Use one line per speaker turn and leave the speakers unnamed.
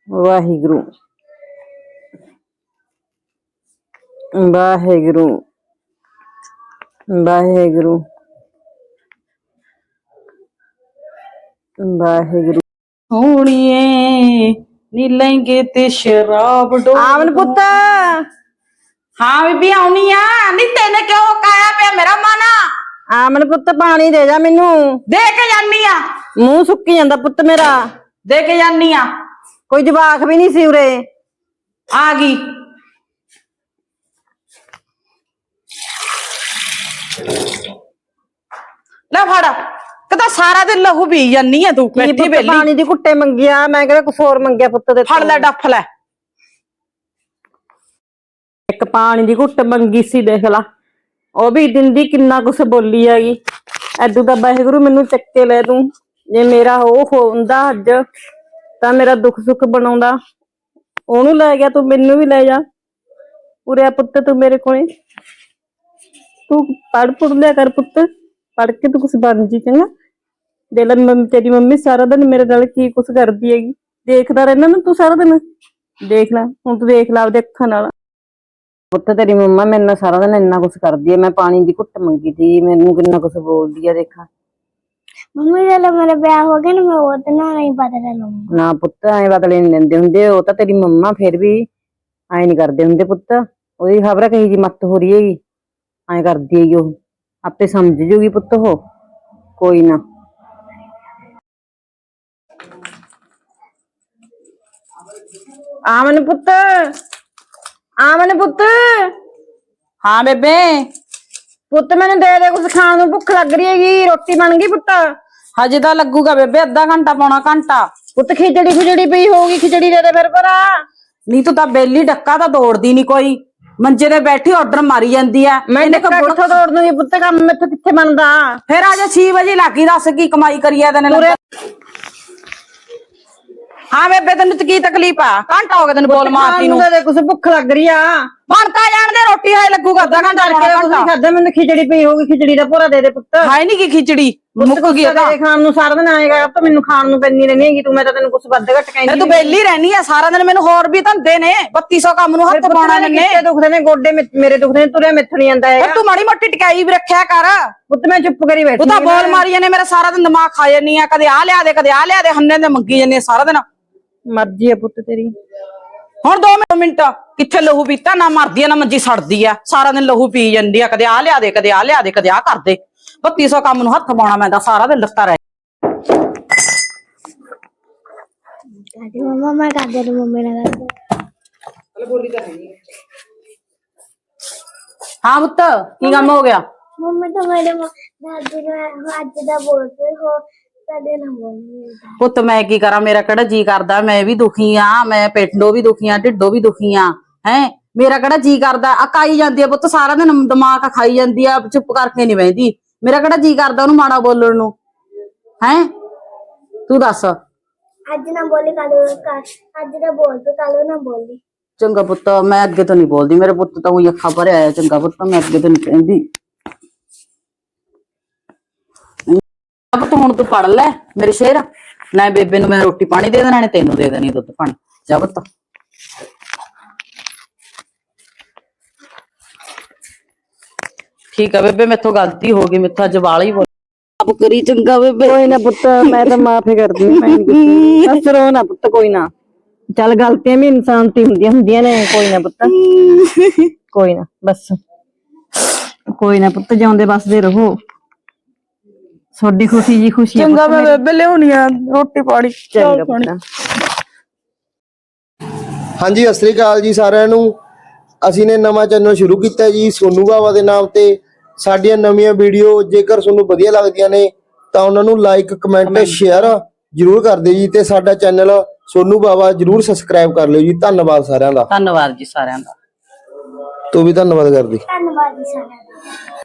वाहिगुरु वाहिगुरु वाहिगुरु वाहिगुरु
सोनिए नी लेंगे ते शराब डो
आवन पुत्त
हाँ बीबी आउनी आ नी तेने क्यों काया पे मेरा माना
आमन पुत्त पानी दे जा मैनू
दे के जानी आ
मुंह सुक्की जांदा पुत्त मेरा
दे के जानी आ
कोई जवाक भी नहीं सी उरे
आ गई ले फड़ कदा सारा दिन लहू पी जानी है तू बैठी बेली
पानी दी घुट्टे मंगिया मैं कहदा कुछ होर मंगिया पुत्त दे
फड़ ले डफ ले
एक पानी दी घुट्ट मंगी सी देख ला ओ भी दिंदी किन्ना कुछ बोली हैगी ऐदू दा वाहिगुरु मैनू चक्के ले तू जे मेरा ओ होंदा अज तां मेरा दुख सुख बनाउंदा ओनू ले गया तू मैनू भी ले जा उरे पुत्त तू मेरे कोले तू पढ़ पुढ़ लिया कर पुत्त पढ़ के तू कुछ बन जी चंगा दे ला तेरी मम्मी सारा दिन मेरे नाल की कुछ करदी हैगी देखदा रहना ना तू सारा दिन देख ला हुण तू देख ला आपदे अक्खां नाल पुत्त तेरी मम्मा मेरे नाल सारा दिन इन्ना कुछ करदी है मैं पानी दी घुट्ट मंगी थी मैनू किन्ना कुछ बोलदी है देखा
मम्मी जब मेरा ब्याह हो गया ना मैं वो तो नहीं बदला लूंगा
ना पुत्त ऐ बदले नहीं देंदे हुंदे ओ तां तेरी मम्मा फिर भी ऐ नहीं करदे हुंदे पुत्त ओदी खबर है कही जी मत हो रही हैगी ऐ करदी है ओ आपे समझ जूगी पुत्त हो कोई ना आमन पुत्त आमन पुत्त
हाँ बेबे
पुत्त मैंने दे कुछ खाने को भुख लग रही हैगी रोटी बन गई पुत्त
हजे तो लगूगा बेबे अद्धा घंटा पौना घंटा
पुत्त खिचड़ी खुचड़ी पई होगी खिचड़ी दे फिर भरा
नहीं तू तां बेली डक्का तो दौड़दी नहीं कोई मंजे ते बैठी ऑर्डर मारी जाती है
मैंने कित्थों दौड़ दूंगी पुत्त काम मेथों कित्थे बनदा
फिर आज 6 बजे लागी दस की कमाई करिए तेने हाँ बेबे तेन की तकलीफ आ घंटा हो गया तेन बोल मारती नूं
कुछ भुख लग रही आ
बनता जान दे रोटी है लगूगा अद्धा घंटा
खादा मैंने खिचड़ी पई होगी खिचड़ी दा पूरा दे दे पुत्त
है नहीं की खिचड़ी मुक गया
खान नूं सारा दिन आएगा तो मैनू खान नूं पैंदी रहनी हैगी तू मैं तां तैनूं कुछ वध घट कहंदी
तू बेली रहनी है सारा दिन मैनू होर भी धंधे ने 3200 काम नूं हत्थ पाउणा ने
दुखदे ने गोडे मेरे दुखदे ने तुरे मिथ नहीं आंदा है
तू माड़ी मोटी टिकाई भी रखिया कर
पुत्त मैं चुप करी बैठी
तू तां बोल मारी जाने मेरा सारा दिन दिमाग खा जानी है कदे आ लिया दे हन्ने दे मंगी जानी सारा दिन
मर्जी है पुत्त तेरी
हुण 2 मिनट किथे लहू पीता ना मरदी ना मंजी सड़दी है सारा दिन लहू पी जांदी है कदे आ लिया दे कदे आ कर दे 3200 काम नूं हत्थ पाउणा मैं सारा दिन लत्ता रह
मम्मा मैं कर दे मम्मी ने कर दे
बोली तो नहीं हाँ पुत्त की काम हो गया
मम्मी तो मेरे दादी ने आज दा बोलते हो कदे ना बोल
पुत्त मैं की करा मेरा केड़ा जी करदा मैं भी दुखी हां मैं पेटों भी दुखी हां ढिड्डों भी दुखी हां हैं मेरा केड़ा जी करदा अकाई जांदी है पुत्त सारा दिन दिमाग खाई जांदी है चुप करके नहीं बहदी मेरा केड़ा जी करदा ओनू माड़ा बोलण नूं हैं तू दस
आज ना बोली कल आज दा बोल तो कल ना बोली
चंगा पुत्त मैं अगे तो नहीं बोलदी मेरे पुत्त तो अखा भरे आया चंगा पुत्त मैं अगे तो नहीं कहंदी अब तू हुण तू पढ़ ले मेरे शेर ना बेबे नूं मैं रोटी पानी दे देना ने तेनू दे देनी दुध पानी जा पुत्त ठीक है बेबे मेथों गलती हो गई मेथों अज वाली बोल अब करी चंगा बेबे
कोई ना पुत्त मैं तो माफी करदी हूं मैं नहीं बस रो ना पुत्त कोई ना चल गलतियां भी इंसान ती हुंदियां ने कोई ना पुत्त कोई ना बस कोई ना पुत्त जाउंदे बसदे रहो सोडी खुशी जी खुशी
चंगा मैं बेबे लियाउणी आ रोटी पानी
चंगा पुत्त
ਹਾਂਜੀ ਸਤਿ ਸ੍ਰੀ ਅਕਾਲ ਜੀ ਸਾਰਿਆਂ ਨੂੰ ਅਸੀਂ ਨੇ ਨਵਾਂ ਚੈਨਲ ਸ਼ੁਰੂ ਕੀਤਾ ਜੀ ਸੋਨੂ ਬਾਵਾ ਦੇ ਨਾਮ ਤੇ ਸਾਡੀਆਂ ਨਵੀਆਂ ਵੀਡੀਓ ਜੇਕਰ ਤੁਹਾਨੂੰ ਵਧੀਆ ਲੱਗਦੀਆਂ ਨੇ ਤਾਂ ਉਹਨਾਂ ਨੂੰ ਲਾਈਕ ਕਮੈਂਟ ਤੇ ਸ਼ੇਅਰ ਜਰੂਰ ਕਰ ਦਿਓ ਜੀ ਤੇ ਸਾਡਾ ਚੈਨਲ ਸੋਨੂ ਬਾਵਾ ਜਰੂਰ ਸਬਸਕ੍ਰਾਈਬ ਕਰ ਲਿਓ ਜੀ ਧੰਨਵਾਦ ਸਾਰਿਆਂ ਦਾ
ਧੰਨਵਾਦ ਜੀ ਸਾਰਿਆਂ ਦਾ
ਤੂੰ ਵੀ ਧੰਨਵਾਦ ਕਰਦੀ
ਧੰਨਵਾਦ ਜੀ ਸਾਰਿਆਂ ਦਾ